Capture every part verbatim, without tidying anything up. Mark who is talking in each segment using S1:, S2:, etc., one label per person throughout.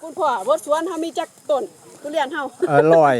S1: คุณพ่อบดสวนเฮามีจักต้นทุเรียนเฮา
S2: เออร้อย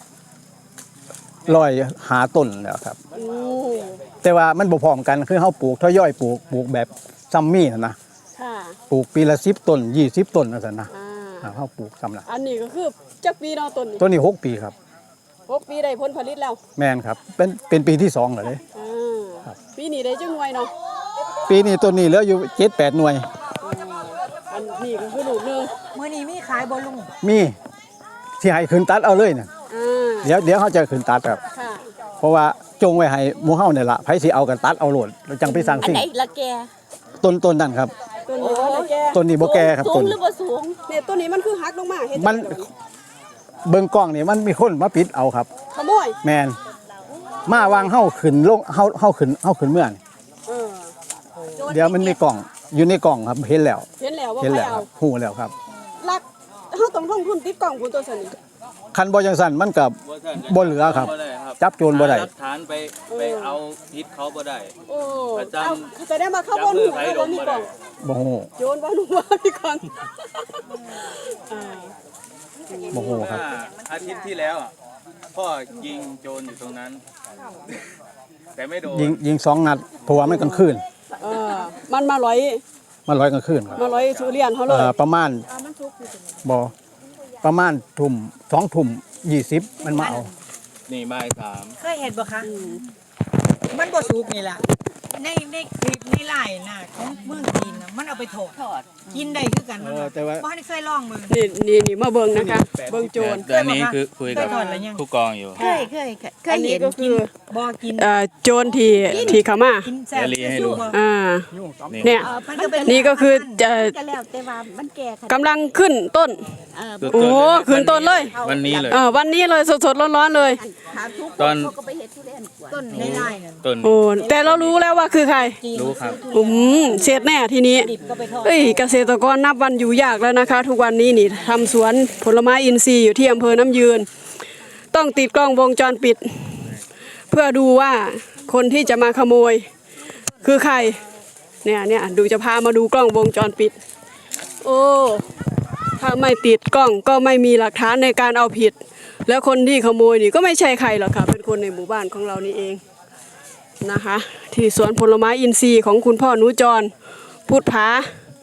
S2: ร้อยหาต้นแล้วครับแต่ว่ามันบ่พร้อมกันคือเฮาปลูกทยอยปลูกปลูกแบบซัมมี่นะ
S1: ค่ะ
S2: ปลูกปีละสิบต้นยี่สิบต้นจังซั่นนะ
S1: อ่า
S2: เฮาปลูกซ้ำละ
S1: อันนี้ก็คือจักปีเนาะต้นนี้
S2: ต้นนี้หกปีครับ
S1: หกปีได้ผลผลิตแล้ว
S2: แม่นครับเป็นเป็นปีที่สองแล้วเด้
S1: อ่าปีนี้ได้จังหน่วยเนาะ
S2: ปีนี้ต้นนี้เหลืออยู่เจ็ดแปดหน่วย
S1: อันนี้ก็คือลูกนึง
S3: มื้อนี้มีขายบ่ลุง
S2: มีสิให้ขึ้นตัดเอาเลยน่ะเดี๋ยวเดี๋ยวเฮาจะขึ้นตัดครับ
S1: ค่ะ
S2: เพราะว่าจงไว้ให้หมู่เฮาเนี่ยล่ะไผสิเอากันตัดเอาโลดแล้วจังไปสร้างสิ่ง
S3: อันไหนละแก
S2: ต้นต้นนั่นครับ
S1: ต้นนี้บ่แก่
S2: ต้นนี้บ่แก่ครับ
S3: ต้นหรือบ่สูง
S1: เนี่ยต้นนี้มันคือหักลงมาเฮ็ด
S2: มันเบิ่งกล้องนี่มันมีคนมาปิดเอาครับ
S1: ขโมย
S2: แม่นมาวางเฮาขึ้นลงเฮาเฮาขึ้นเฮาขึ้นเมื่อนี่
S1: เออ
S2: เดี๋ยวมันมีกล่องอยู่ในกล่องครับเห็นแล้ว
S1: เห็นแล้วว่า
S2: เห็น
S1: ใคร
S2: แล้วครั
S1: เอา
S2: บฮู้แล้วครับ
S1: ลักเฮาต้องลงทุนติดกล้องพุ่นตัวซั่นนี่
S2: คันบ่จังซั่นมันก็บ่เหลือครับจับโจรบ่ได้
S4: หลักฐานไปไปเอาผิดเขาบ่ได้
S1: โอ้เอาแสดงว่าเขาบ่รู้ว่ามีกล้อง
S2: บ่ฮู้
S1: โจรบ่รู้ว่ามีกล้องอ่า
S2: บ่ฮู้ครับ
S4: อาทิตย์ที่แล้วพ่อยิงโจรอยู่ตรงนั้นแต่ไม่โดน
S2: ยิงยิงสองนัดเพราะว่ามันกลางคืน
S1: เออมันมาร้อย
S2: มันร้อยกลางคืนครับ
S1: มาร้อยทุเรียนเฮาเลย
S2: เอ่อประมาณบ่ประมาณทุ่มสองทุ่มยี่สิบมันมาเอา
S4: นี่บ่ายสาม
S3: เคยเห็นบ่คะมันบ่สุกนี่ล่ะในในคลิปในไลน์น่ะของเมืองจีนน่ะมันเอาไปทอดกินได้คือกันมันบ่ได้เคยลองมึง
S1: นี่นี่นี่มาเบิ่งนะคะเบิ่งโจร
S4: เดือนนี้คือคุยกับผู้กองอยู่
S3: เคยเคยเคยเห็นกินบ่กิน
S1: เอ่อโจรที่ที่เข้ามา
S3: กินแซ่บ
S4: ให้ดู
S1: อ่าเนี่ยนี่ก็คือจะกำลังขึ้นต้นโอ้ขึ้นต้นเลย
S4: วันนี้เลย
S1: เออวันนี้เลยสดๆร้อนๆเลย
S4: ตอน
S3: ต้นในไร่น่ะ
S4: ต้น
S1: โอ้แต่เรารู้แล้วว่าคือใคร
S4: รู้ครับ
S1: อืมเสร็จแน่ทีนี้เอ้ยเกษตรกรนับวันอยู่ยากแล้วนะคะทุกวันนี้นี่ทำสวนผลไม้อินทรีย์อยู่ที่อำเภอน้ำยืนต้องติดกล้องวงจรปิดเพื่อดูว่าคนที่จะมาขโมยคือใครเนี่ยเนี่ยดูจะพามาดูกล้องวงจรปิดโอ้ถ้าไม่ติดกล้องก็ไม่มีหลักฐานในการเอาผิดแล้วคนที่ขโมยนี่ก็ไม่ใช่ใครหรอกค่ะเป็นคนในหมู่บ้านของเรานี่เองนะคะที่สวนผลไม้อินทรีย์ของคุณพ่อนุจรพุทธผา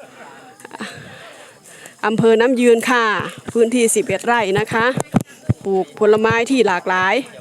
S1: อำเภอน้ำยืนค่ะพื้นที่สิบเอ็ดไร่นะคะปลูกผลไม้ที่หลากหลาย